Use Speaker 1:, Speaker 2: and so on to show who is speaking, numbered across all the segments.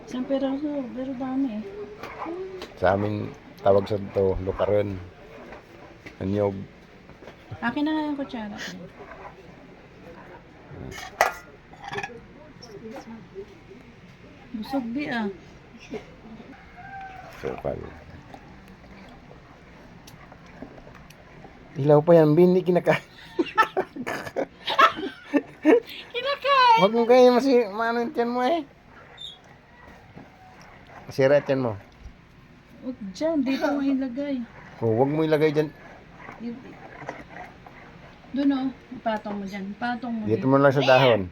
Speaker 1: Isang peraso, pero dami eh.
Speaker 2: Sa amin, tawag sa ito, lukaron. Anyog.
Speaker 1: Akin na nga yung kutsara. Busog di ah.
Speaker 2: Sopal. Ilaw pa yan, Bin. Hindi kinakain.
Speaker 1: Kinakain!
Speaker 2: Huwag mo kayo maano yung tiyan mo eh. Masira yung tiyan mo.
Speaker 1: Huwag dyan, dito mo ilagay.
Speaker 2: Huwag mo ilagay dyan.
Speaker 1: Doon oh, patong mo dyan. Patong mo
Speaker 2: Dito mo lang sa dahon.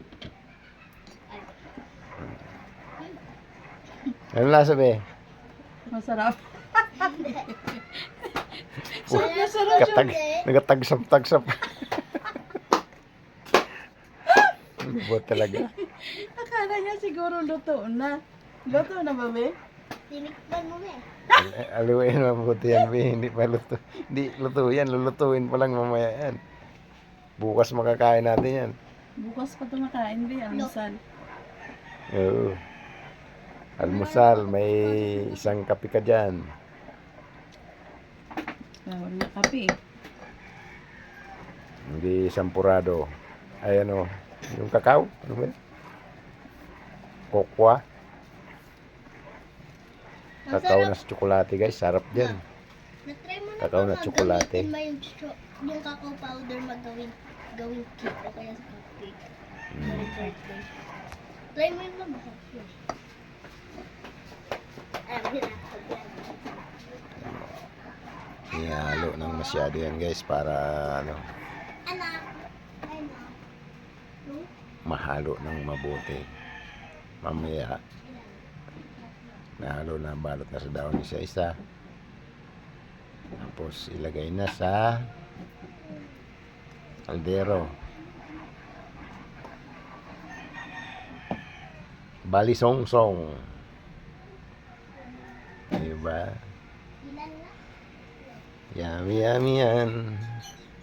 Speaker 2: Ano lasa be?
Speaker 1: Masarap. Sarap na sarap siya.
Speaker 2: Nagatagsap-tagsap. Lubot talaga.
Speaker 1: Akala niya siguro luto na. Luto na ba, be?
Speaker 3: Tinikman mo eh.
Speaker 2: Aliwain mabuti yan be. Hindi pa luto. Hindi luto yan. Lulutuin pa lang mamaya yan. Bukas makakain natin yan.
Speaker 1: Bukas pa ito makain, be. Almusal.
Speaker 2: Oo. Almusal. May isang kape ka dyan.
Speaker 1: Bawal na kape.
Speaker 2: Hindi sampurado. Ay ano. Yung kakao. Ano ba? Kokwa. Kakao na sa tsokolate guys. Sarap din.
Speaker 3: Na-try mo na
Speaker 2: Kakao
Speaker 3: ba
Speaker 2: na tsokolate.
Speaker 3: gamitin mo yung cacao powder gawing cake o kaya sa cupcake? Sa birthday. Try mo yun ba? Alam mo na.
Speaker 2: Ihalo ng masyado yan guys. Para ano.
Speaker 3: Anak. Anak.
Speaker 2: Mahalo ng mabuti. Mamaya nahalo na, balot na sa daon isa-isa, tapos ilagay na sa kaldero. Balisong-song, diba? Yummy yummy yan.